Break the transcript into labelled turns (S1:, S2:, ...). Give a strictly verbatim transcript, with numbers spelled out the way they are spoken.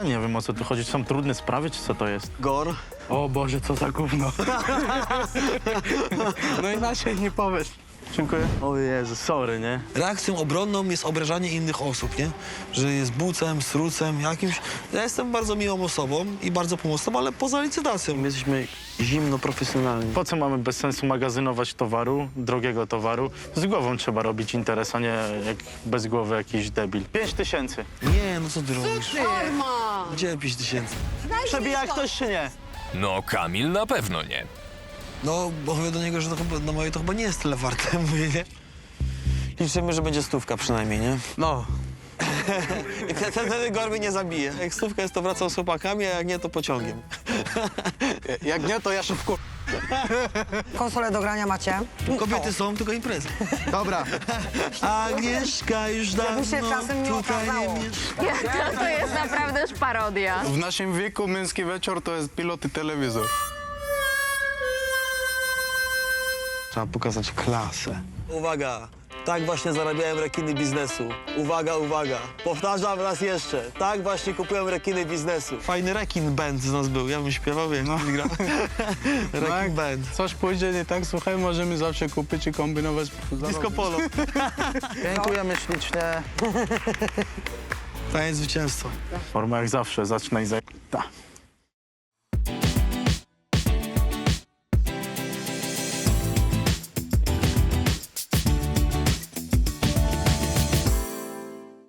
S1: Nie wiem, o co tu chodzi. Czy są trudne sprawy, czy co to jest?
S2: Gor.
S3: O Boże, co za gówno. No inaczej nie powiesz. Dziękuję.
S1: O Jezu, sorry, nie?
S2: Reakcją obronną jest obrażanie innych osób, nie? Że jest bucem, strucem, jakimś... Ja jestem bardzo miłą osobą i bardzo pomocną, ale poza licytacją. My jesteśmy zimno profesjonalni.
S1: Po co mamy bez sensu magazynować towaru, drogiego towaru? Z głową trzeba robić interes, a nie jak bez głowy jakiś debil. Pięć tysięcy.
S2: Nie, no co ty robisz?
S4: Norma!
S2: Gdzie pięć tysięcy?
S1: Przebija ktoś czy nie?
S5: No, Kamil na pewno nie.
S2: No, bo mówię do niego, że to chyba, no moje to chyba nie jest tyle warte, mówię, nie? Liczymy, że będzie stówka przynajmniej, nie?
S3: No.
S2: I wtedy wtedy Gor mnie nie zabije. Jak stówka jest, to wracam z chłopakami, a jak nie, to pociągiem.
S3: Jak nie, to ja się wkur...
S4: Konsolę do grania macie?
S2: Kobiety są, tylko imprezy.
S3: Dobra.
S2: Agnieszka już dawno
S4: się czasem nie
S2: tutaj nie
S4: okazało.
S2: mieszka.
S6: To, to jest naprawdę już parodia.
S3: W naszym wieku męski wieczór to jest pilot i telewizor.
S2: Trzeba pokazać klasę. Uwaga, tak właśnie zarabiałem rekiny biznesu. Uwaga, uwaga. Powtarzam raz jeszcze. Tak właśnie kupiłem rekiny biznesu. Fajny rekin band z nas był. Ja bym śpiewał, jak no. grał. Rekin
S3: jak
S2: band.
S3: coś pójdzie nie tak, słuchaj, możemy zawsze kupić i kombinować.
S2: Disco polo.
S1: Dziękujemy ślicznie.
S2: Fajne zwycięstwo.
S1: Forma jak zawsze, zacznę i za... Ta.